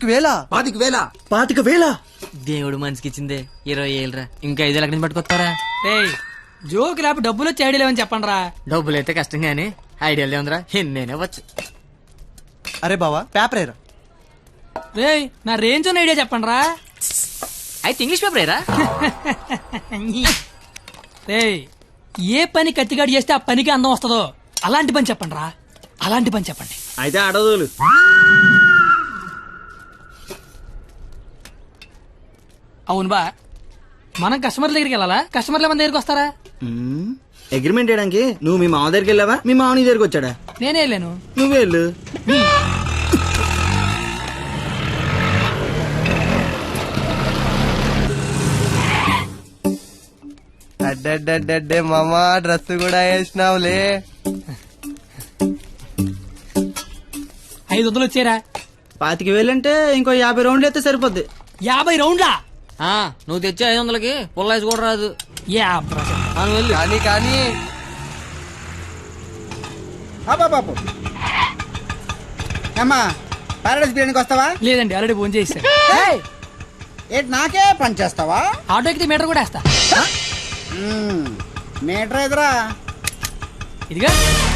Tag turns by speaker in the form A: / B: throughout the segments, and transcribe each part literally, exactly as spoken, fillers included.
A: వేల
B: పాతిక వేల
A: పాతిక వేల
C: దేవుడు మనిషికి ఇచ్చిందే ఇరవై ఏళ్ళరా ఇంకా ఐదు లక్షల నుంచి పట్టుకొస్తారా?
D: జోక్ లేపు డబ్బులు వచ్చి ఐడియా లేవని చెప్పండి రా.
C: డబ్బులు అయితే కష్టం గానీ ఐడియాలు ఏముందిరా, నేనే వచ్చు.
A: అరే బావా పేపర్ ఏరా.
D: రే నా రేంజ్ ఉన్న ఐడియా చెప్పండి రా.
C: అయితే ఇంగ్లీష్ పేపర్ ఏరా.
D: రే ఏ పని కత్తిగాడు చేస్తే ఆ పనికి అందం వస్తుందో అలాంటి పని చెప్పండి రా, అలాంటి పని చెప్పండి.
B: అయితే అడదులు
D: అవును బా, మనం కస్టమర్ దగ్గరికి వెళ్ళాలా, కస్టమర్ల మన దగ్గరికి వస్తారా?
B: అగ్రిమెంట్ చేయడానికి నువ్వు మీ మామ దగ్గరికి వెళ్ళావా, మీ మామ నీ దగ్గరికి వచ్చాడా?
D: నేనే వెళ్ళాను.
B: నువ్వే వెళ్ళు.
A: అడ్డే మామా డ్రెస్ కూడా వేసినావులే.
D: ఐదు వందలు వచ్చారా?
B: పాతిక వేలంటే ఇంకో యాభై రౌండ్లు అయితే సరిపోద్ది.
D: యాభై రౌండ్లా?
C: ఆ, నువ్వు తెచ్చే ఐదు వందలకి పుల్లాసి కూడా రాదు.
A: కానీ కానీ
B: బాబు అమ్మా పారడైస్ బిర్యానీకి వస్తావా?
D: లేదండి, ఆల్రెడీ ఫోన్ చేశాను.
B: ఏంటి నాకే పని చేస్తావా?
D: ఆటో ఎక్కితే మీటర్ కూడా వేస్తా.
B: మీటర్ ఎదురా
D: ఇదిగా.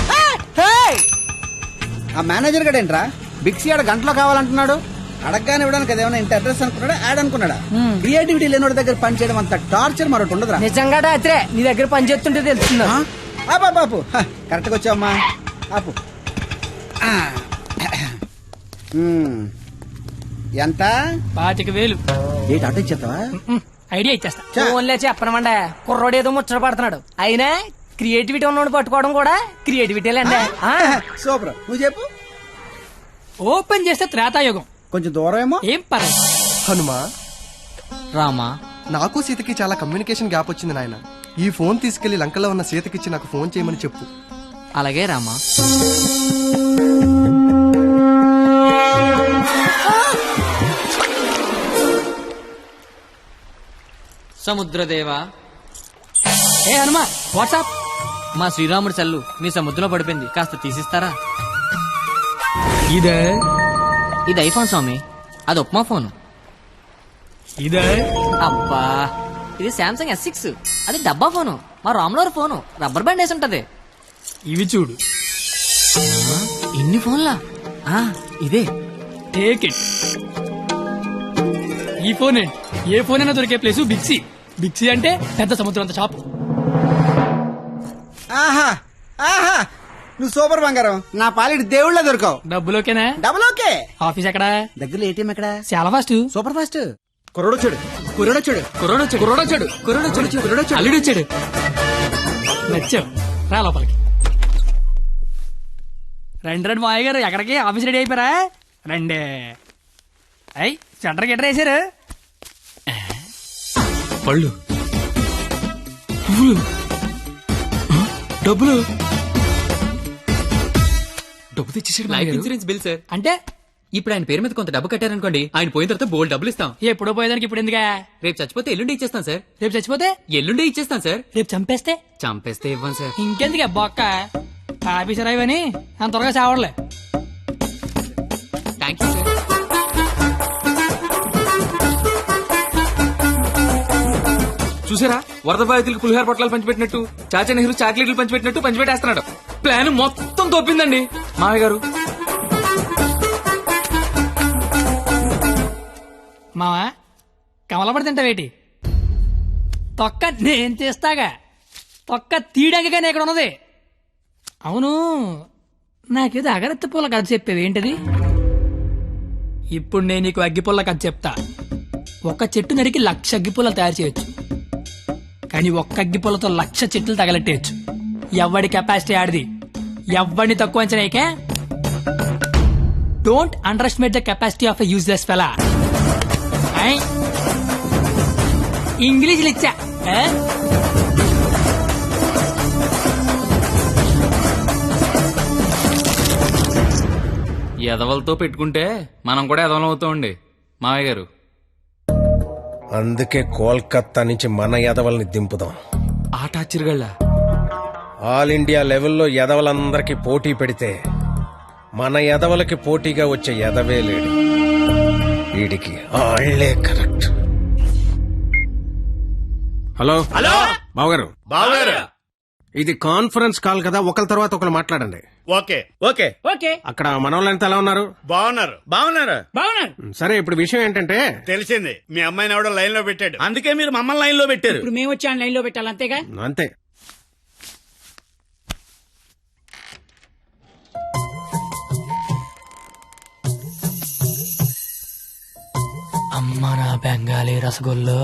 B: ఆ మేనేజర్ గడ ఏంట్రా బిక్సీ ఆడ గంటలో కావాలంటున్నాడు. అడగగానే ఇవ్వడానికి అదేమన్నా ఇంత అడ్రస్ అనుకున్నాడా, యాడ్ అనుకున్నాడా? క్రియేటివిటీ లేనివాడి దగ్గర పని చేయడం అంత టార్చర్ మరొకటి ఉండదురా.
D: నిజంగా రాత్రే నీ దగ్గర పని చేస్తుంటే తెలుస్తుందా?
B: బాపు కరెక్ట్ గా వచ్చావమ్మా. ఆపు. ఎంత?
D: పాతిక వేలు.
B: ఏంటి ఆటో ఇచ్చేస్తావా?
D: ఐడియా ఇచ్చేస్తా. ఓన్లే చెప్పనమండే, కుర్రోడు ఏదో ముచ్చట పడుతున్నాడు. అయినా క్రియేటివిటీ ఉన్నోడు పట్టుకోవడం కూడా క్రియేటివిటీ లేండి.
B: సూపర్, నువ్వు చెప్పు.
D: ఓపెన్ చేస్తే త్రేతాయుగం.
B: కొంచెం దూరం ఏమో.
D: ఏం పర్లేదు.
A: హనుమా
C: రామా,
A: నాకు సీతకి చాలా కమ్యూనికేషన్ గ్యాప్ వచ్చింది నాయన. ఈ ఫోన్ తీసుకెళ్లి లంకలో ఉన్న సీతకిచ్చి నాకు ఫోన్ చేయమని చెప్పు.
C: అలాగే రామా. సముద్రదేవా.
D: ఏ హనుమా, వాట్సాప్.
C: మా శ్రీరాముడి చల్లు మీ సముద్రంలో పడిపోయింది, కాస్త తీసిస్తారా?
D: ఇదే
C: ఇది ఐఫోన్ స్వామి, అది ఉప్మా ఫోన్.
D: ఇదే
C: అబ్బా, ఇది శాంసంగ్ ఎస్ సిక్స్, అది డబ్బా ఫోను. మా రాములవారి ఫోను రబ్బర్ బ్యాండ్ వేసి ఉంటది.
D: ఇవి చూడు.
C: ఇన్ని ఫోన్లా? ఇదే.
D: Take it. ఈ ఫోన్ ఏంటి? ఏ ఫోన్ అయినా దొరికే ప్లేసు బిక్సీ. బిక్సీ అంటే పెద్ద సముద్రం అంత షాప్.
B: ఆహా ఆహా, నువ్వు సూపర్ బంగారం. నా పాలిటి దేవుళ్ళ దొరకవు.
D: డబ్బులోకేనా?
B: Double okay.
D: ఆఫీస్ ఎక్కడా?
B: దగ్గరలో ఏటీఎం ఎక్కడ?
D: చాలా ఫాస్ట్.
B: Super fast. కుర్రోడొచ్చాడు కుర్రోడొచ్చాడు
D: కుర్రోడొచ్చాడు కుర్రోడొచ్చాడు కుర్రోడొచ్చాడు కుర్రోడొచ్చాడు అల్లుడొచ్చాడు. నచ్చావు, రా లోపలికి. రండి రండి మాయ గారు, ఎక్కడికి? ఆఫీస్ రెడీ అయిపోయారా? రండి. అయ్యి సెంటర్ గిట్టర్ వేసారు. పళ్ళు, పువ్వులు, డబ్బులు. డబ్బు తెచ్చేసాడు.
E: Life insurance bill sir.
D: అంటే
E: ఇప్పుడు ఆయన పేరు మీద కొంత డబ్బు కట్టారనుకోండి, ఆయన పోయిన తర్వాత బోల్డ్ డబ్బులు ఇస్తాం.
D: ఎప్పుడో పోయేదానికి ఇప్పుడు ఎందుగా?
E: రేపు చచ్చిపోతే ఎల్లుండి ఇచ్చేస్తాం సార్.
D: రేపు చచ్చిపోతే
E: ఎల్లుండి ఇచ్చేస్తాం సార్.
D: రేపు చంపేస్తే
E: చంపేస్తే ఇవ్వం సార్.
D: ఇంకెందుకు బొక్క? ఆఫీసర్ అయ్యని అంత త్వరగా చావడలే.
E: Thank you sir. చూసారా, వరద బాధితులకు పులిహార పొట్లాలు పంచిపెట్టినట్టు చాచా నెహ్రూ చాక్లెట్లు పంచిపెట్టినట్టు పంచిపెట్టేస్తున్నాడు. ప్లాన్ మొత్తం తోపిందండి మామయ్య గారు.
D: మావా కమలపడి తింటావేటి? తొక్క నేను తీస్తాగా, తొక్క తీయడానికనే ఇక్కడ ఉన్నది. అవును, నాకేదో అగరత్తి పూల కథ చెప్పేవి ఏంటిది? ఇప్పుడు నేను నీకు అగ్గిపుల్ల కథ చెప్తా. ఒక చెట్టు నరికి లక్ష అగ్గిపుల్లలు తయారు చేయొచ్చు, కానీ ఒక్క అగ్గిపుల్లతో లక్ష చెట్లు తగలెట్టేయచ్చు. ఎవడి కెపాసిటీ ఆడిది, ఎవడిని తక్కువ అంచనాయికే. Don't underestimate the capacity of a useless fellow. English ఇచ్చా.
E: ఎదవలతో పెట్టుకుంటే మనం కూడా ఎదవలం అవుతామండి మామయ్య గారు.
F: అందుకే కోల్కత్తా నుంచి మన ఎదవల్ని దింపుదాం.
E: ఆట ఆశ్చర్యగళ్ళ
F: ఆల్ ఇండియా లెవెల్లో ఎదవలందరికీ పోటీ పెడితే మన ఎదవలకి పోటీగా వచ్చే ఎదవే లేడు. వీడికి ఆళ్లే కరెక్ట్. హలో
G: హలో
F: బావగారు,
G: బావగారు.
F: ఇది కాన్ఫరెన్స్ కాల్ కదా, ఒకరి తర్వాత ఒకరు మాట్లాడండి.
G: ఓకే ఓకే
D: ఓకే
F: అక్కడ మనోళ్ళంతా ఎలా ఉన్నారు?
G: బాగున్నారు బాగున్నారు.
D: బాగున్నాను.
F: సరే, ఇప్పుడు విషయం ఏంటంటే,
G: తెలిసింది, మీ అమ్మాయిని ఎవడో లైన్ లో పెట్టాడు, అందుకే మీరు మమ్మల్ని లైన్ లో పెట్టారు.
D: ఇప్పుడు మేము వచ్చి లైన్ లో పెట్టాలి అంతేగా.
F: అంతే.
D: అమ్మ నా బెంగాలీ రసగుల్లో.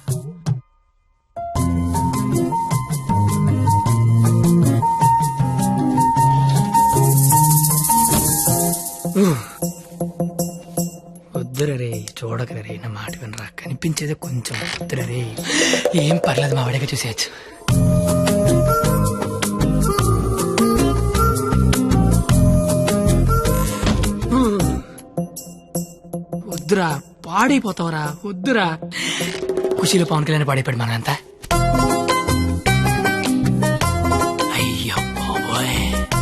D: వద్దురే, చూడకరే, నా మాట వినరా, కనిపించేదే కొంచెం. వద్దురే, ఏం పర్లేదు, మా వాడిగా చూసేయచ్చు. వద్దురా, పాడైపోతావురా, వద్దురా. ఖుషీలో పవన్ కళ్యాణ్ పాడైపోయాడు మనంతా. అయ్యో బాబోయ్.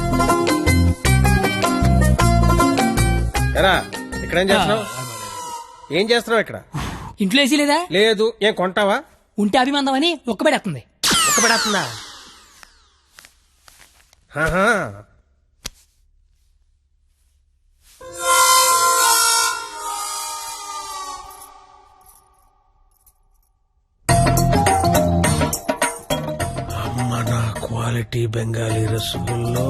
F: ఎరా ఇక్కడ ఏం చేస్తున్నావు? ఏం చేస్తున్నావు ఇక్కడ?
D: ఇంట్లో వేసి లేదా?
F: లేదు. ఏం కొంటావా?
D: ఉంటే అభిమందం అని ఒక్కబడేస్తుంది.
F: ఒక్క పడేస్తుందా? ఆహా. అమ్మ నా క్వాలిటీ బెంగాలీ రసగుల్లో.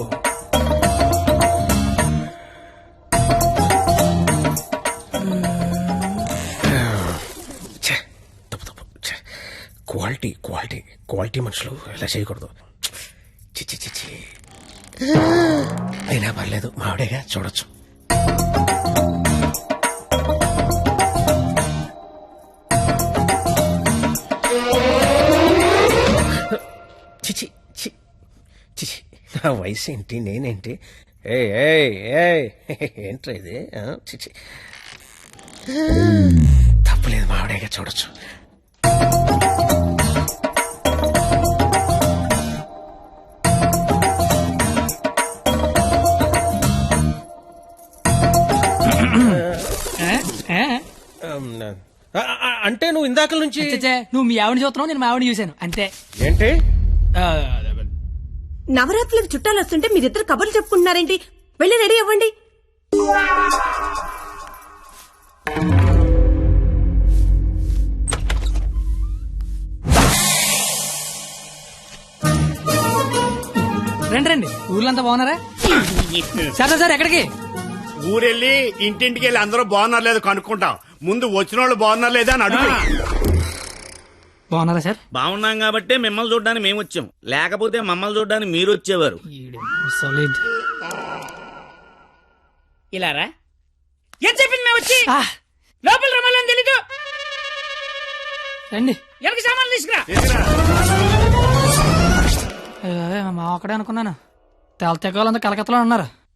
F: ఛే, తప్పు తప్పు. ఛే, క్వాలిటీ క్వాలిటీ క్వాలిటీ మనుషులు ఇలా చేయకూడదు. చిచ్చి చిచ్చి. అయినా పర్లేదు, మావిడేగా, చూడొచ్చు. చిచి చి చిచి. నా వయసు ఏంటి, నేనేంటి? ఏ ఏంట్రా ఇది? ఆ, చిచి. తప్పులేదు, మావిడేగా, చూడొచ్చు. ఆ, ఆ, అంటే నువ్వు ఇందాక నుంచి
D: చచ్చే, నువ్వు మీ ఆవిడ చూస్తున్నావు, నేను మా ఆవిడ చూశాను అంతే.
F: ఏంటి?
D: ఆ,
H: నవరాత్రులకు చుట్టాలు వస్తుంటే మీరిద్దరు కబుర్లు చెప్పుకుంటున్నారేంటి? వెళ్ళి రెడీ అవ్వండి.
D: రండి రండి, ఊర్లంతా బాగున్నారా? సరే సార్, ఎక్కడికి?
G: ఊరెళ్ళి ఇంటింటికి వెళ్ళి అందరూ బాగున్నారు లేదు కనుక్కుంటాం. ముందు వచ్చిన వాళ్ళు బాగున్నారు లేదా అని అడుగు.
D: బాగున్నారా సార్?
I: బాగున్నాం కాబట్టి మిమ్మల్ని చూడడానికి మేము వచ్చాం, లేకపోతే మమ్మల్ని చూడడానికి మీరు వచ్చేవారు.
D: సాలిడ్.
J: ఇలారా ఏం చెప్పింది మేము వచ్చి లోపల రమ్మాలని తెలీదు.
D: రండి.
J: ఎవరికి సామాన్లు తీసుకురా.
D: అయ్యో, మా ఒక్కడే అనుకున్నాను. తెల తెగవాలంతా కలకత్తలో ఉన్నారు.